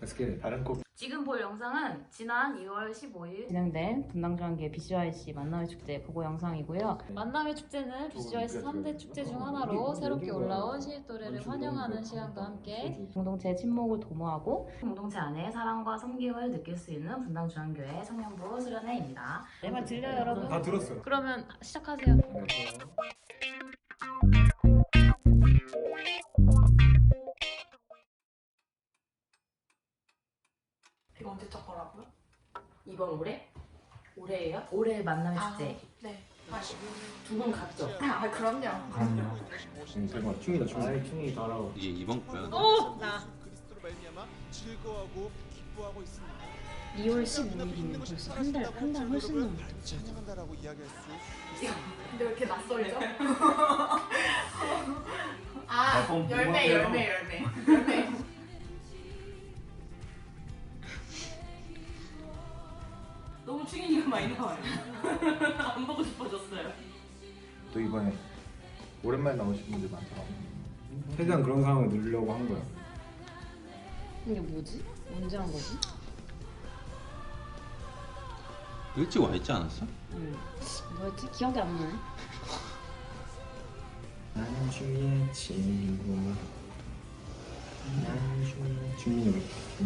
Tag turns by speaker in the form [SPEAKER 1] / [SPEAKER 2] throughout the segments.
[SPEAKER 1] Let's get it. 다른 곡.
[SPEAKER 2] 지금 볼 영상은 지난 2월 15일 진행된 분당중앙계 BCYC 만남의 축제 보고 영상이고요. 만남의 축제는 BCYC 3대 축제 중 하나로 새롭게 올라온 신입 또래를 환영하는 시간과 함께 공동체 친목을 도모하고 공동체 안에 사랑과 섬김을 느낄 수 있는 분당중앙교회 청년부 수련회입니다. 내 말 들려요, 여러분?
[SPEAKER 1] 다 들었어요.
[SPEAKER 2] 그러면 시작하세요.
[SPEAKER 3] 이거 언제적 거라고요?
[SPEAKER 2] 이번 올해? 올해예요? 올해 만남의 축제.
[SPEAKER 3] 네.
[SPEAKER 2] 두 분 갔죠?
[SPEAKER 3] 그럼요.
[SPEAKER 1] 그럼요. 대박. 충이다, 충이. 아이, 충이 잘하고.
[SPEAKER 4] 이게 이번 거야.
[SPEAKER 2] 나.
[SPEAKER 5] 그리스도로 말미암아 즐거워하고 기뻐하고 있습니다.
[SPEAKER 2] 2월 15일이면 벌써 한 달 훨씬 넘었죠.
[SPEAKER 5] 찬양한다라고 이야기할 수 있습니다.
[SPEAKER 3] 근데 왜 이렇게 낯설죠? 열매.
[SPEAKER 2] 너무 충인이가 많이 나와요. 안 보고 싶어졌어요.
[SPEAKER 1] 또 이번에 오랜만에 나오신 분들 많더라고. 최대한 그런 상황을 누리려고 한 거야.
[SPEAKER 2] 이게 뭐지? 언제 한 거지?
[SPEAKER 4] 일찍 와 있지 않았어?
[SPEAKER 2] 뭐였지? 기억이 안 나네.
[SPEAKER 1] 나는 충이의 친구. 나는 충민이.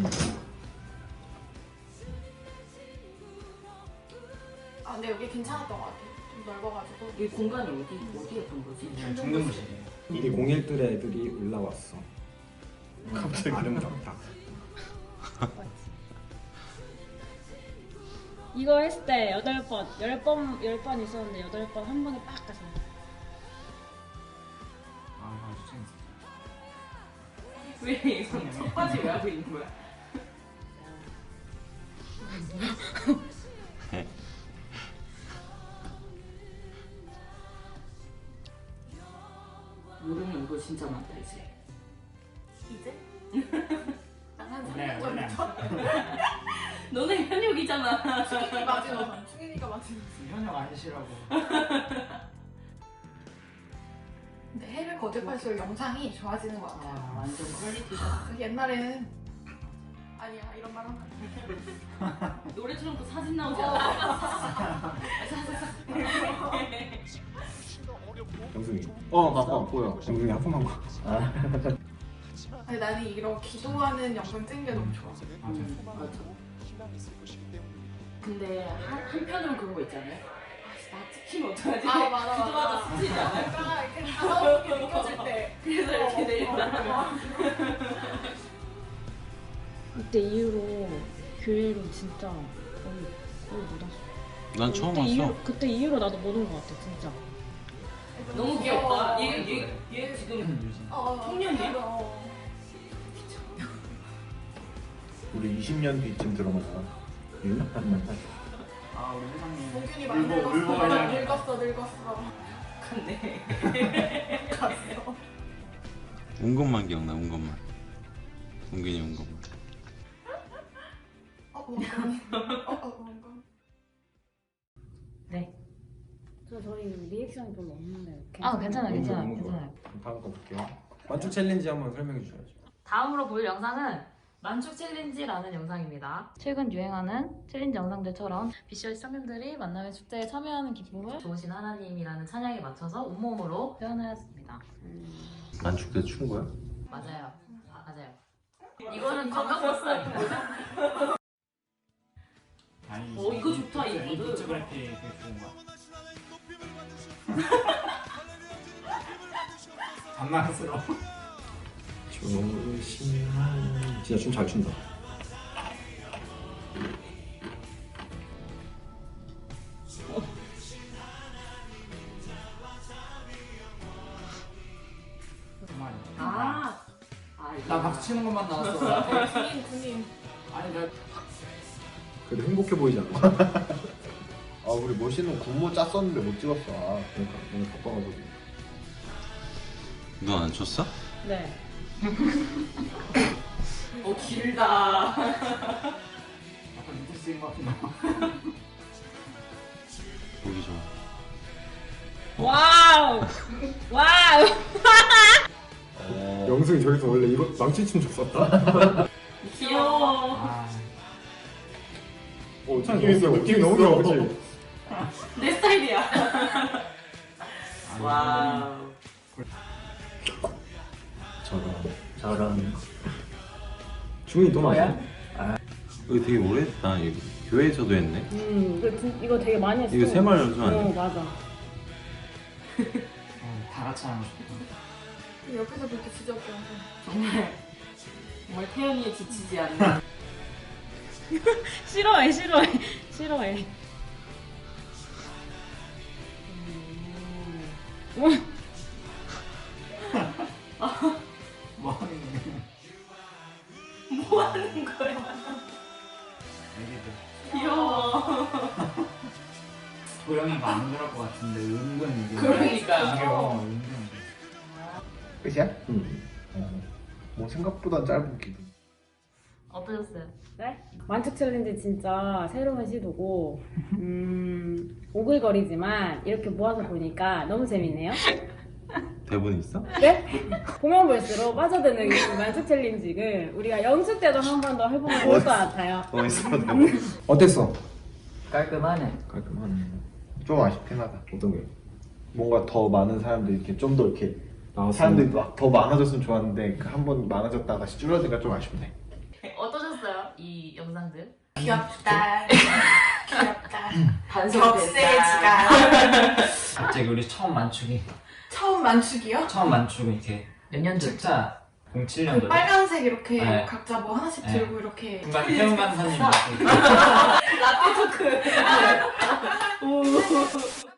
[SPEAKER 3] 근데 여기 괜찮았던 것 같아요. 좀 넓어가지고.
[SPEAKER 2] 이 공간이 어디에 본 거지?
[SPEAKER 1] 중등부시네. 이게 01들 애들이 올라왔어. 갑자기 아름답다.
[SPEAKER 6] 이거 했을 때 8번, 10번 있었는데 8번 한 번에 빡 가서.
[SPEAKER 2] 왜 이거 첫까지 왜 하고 있는 거야? 모르는 거 진짜 많다 이제.
[SPEAKER 3] 이제? 한 3년 전부터.
[SPEAKER 2] 너네 현역이잖아.
[SPEAKER 3] 충인이 맞은 우선. 충인이가 맞은 우선.
[SPEAKER 7] 현역 아니시라고.
[SPEAKER 3] 근데 해를 거듭할수록 영상이 좋아지는 것 같아요.
[SPEAKER 2] 완전 퀄리티다.
[SPEAKER 3] 옛날에는 아니야 이런 말 하면 안 돼.
[SPEAKER 2] 노래처럼 또 사진 나오지 않아?
[SPEAKER 1] 영승이. 맞아. 보여. 영승이 하품한 거.
[SPEAKER 3] 아니 나는 이런 기도하는 영상 찍는 게 너무 좋아.
[SPEAKER 2] 맞아. 근데 한편으로 그런 거 있잖아요. 나 찍히면 어떡하지?
[SPEAKER 3] 맞아.
[SPEAKER 2] 기도하다 스치지 않아요?
[SPEAKER 3] 약간 이렇게 가볍게 느껴질 때.
[SPEAKER 2] 그래서 이렇게 내린다.
[SPEAKER 6] 그때 이후로 교회로 진짜 거의 못 왔어.
[SPEAKER 4] 난 처음 왔어.
[SPEAKER 6] 그때 이후로 나도 못 온 것 같아, 진짜.
[SPEAKER 2] 너무 귀엽다. 얘 지금
[SPEAKER 3] 청년이야?
[SPEAKER 1] 우리 20년 뒤쯤 들어가자.
[SPEAKER 7] 우리 회장님.
[SPEAKER 3] 봉균이 많이 늙었어. 늙었어.
[SPEAKER 2] 근데
[SPEAKER 3] 갔어.
[SPEAKER 4] 운 것만 기억나, 운 것만. 은근히 운 것만.
[SPEAKER 2] 네.
[SPEAKER 6] 저희 리액션이 별로 없는데.
[SPEAKER 2] 괜찮아요.
[SPEAKER 1] 다음 거 볼게요. 만축 챌린지 한번 설명해 주셔야죠.
[SPEAKER 2] 다음으로 볼 영상은 만축 챌린지라는 영상입니다. 최근 유행하는 챌린지 영상들처럼 BCYC 청년들이 만남의 축제에 참여하는 기쁨을 좋으신 하나님이라는 찬양에 맞춰서 온몸으로 표현하였습니다.
[SPEAKER 4] 만축 때 춘 거야?
[SPEAKER 2] 맞아요. 이거는 관광버스 아닌가요? 이거 좋다, 이
[SPEAKER 7] 이
[SPEAKER 2] 모드.
[SPEAKER 7] 포토그래피 되게 좋은 거야. 장난스러워.
[SPEAKER 1] 조심한. 진짜 춤 잘 춘다.
[SPEAKER 7] 나 박수 치는 것만 나왔어.
[SPEAKER 3] 군인.
[SPEAKER 7] 아니 내가
[SPEAKER 1] 그래도 행복해 보이지 않아? 우리 멋있는 군모 짰었는데 못 찍었어. 그러니까 오늘 바빠가지고.
[SPEAKER 4] 너 안 쳤어?
[SPEAKER 6] 네.
[SPEAKER 2] 길다.
[SPEAKER 7] 약간 밑에 쓰인 것 같은데.
[SPEAKER 4] 보기 좋아.
[SPEAKER 6] 와우! 와우!
[SPEAKER 1] 영승이 저기서 원래 이거 망치춤 췄었다.
[SPEAKER 2] 귀여워.
[SPEAKER 7] 아,
[SPEAKER 1] 느낌 있어. 느낌 너무 좋아, 그치?
[SPEAKER 3] 내 스타일이야.
[SPEAKER 7] 와.
[SPEAKER 1] 저런. 중이 또
[SPEAKER 7] 뭐야?
[SPEAKER 4] 이거 되게 오래됐다. 이거 교회에서도 했네.
[SPEAKER 6] 이거 되게 많이 했어.
[SPEAKER 4] 이거 세말 연습하네.
[SPEAKER 6] 맞아.
[SPEAKER 7] 다 같이 하고 싶다.
[SPEAKER 3] 옆에서 그렇게 지적해.
[SPEAKER 2] 정말 태연이에 지치지 않는.
[SPEAKER 6] 싫어해. 싫어해.
[SPEAKER 7] 뭐 하는 거야?
[SPEAKER 3] 뭐 하는 거야?
[SPEAKER 7] 애기들.
[SPEAKER 3] 귀여워.
[SPEAKER 7] 도영이가 안 그럴 것 같은데 은근 이게.
[SPEAKER 3] 그러니까.
[SPEAKER 7] 이게 은근.
[SPEAKER 1] 끝이야? 응. 뭐 생각보다 짧은 기분.
[SPEAKER 2] 어떠셨어요?
[SPEAKER 6] 네? 만축 챌린지 진짜 새로운 시도고 오글거리지만 이렇게 모아서 보니까 너무 재밌네요.
[SPEAKER 4] 대본 있어?
[SPEAKER 6] 네? 보면 볼수록 빠져드는 이 만축 챌린지를 우리가 연습 때도 한 번 더 해보면 좋을 것 같아요.
[SPEAKER 4] 있어 대본.
[SPEAKER 1] 어땠어?
[SPEAKER 7] 깔끔하네.
[SPEAKER 1] 깔끔하네. 좀 아쉽긴 하다. 어떤 게? 뭔가 더 많은 사람들이 이렇게 좀 더 이렇게 사람들이 막 더 많아졌으면 좋았는데 한 번 많아졌다가 다시 줄어드니까 좀 아쉽네.
[SPEAKER 2] 어떠셨어요? 이 영상들?
[SPEAKER 3] 귀엽다. 귀엽다.
[SPEAKER 2] 반성됐다.
[SPEAKER 3] 격세지가.
[SPEAKER 7] 갑자기 우리 처음 만축이.
[SPEAKER 3] 처음 만축이요?
[SPEAKER 7] 처음 만축이 이렇게.
[SPEAKER 2] 몇 년도?
[SPEAKER 7] 책자
[SPEAKER 3] 그
[SPEAKER 7] 07년도.
[SPEAKER 3] 빨간색 이렇게
[SPEAKER 7] 네.
[SPEAKER 3] 각자 뭐 하나씩
[SPEAKER 7] 네.
[SPEAKER 3] 들고 이렇게.
[SPEAKER 7] 중간 태훈 강사님.
[SPEAKER 3] 라떼 토크. 오.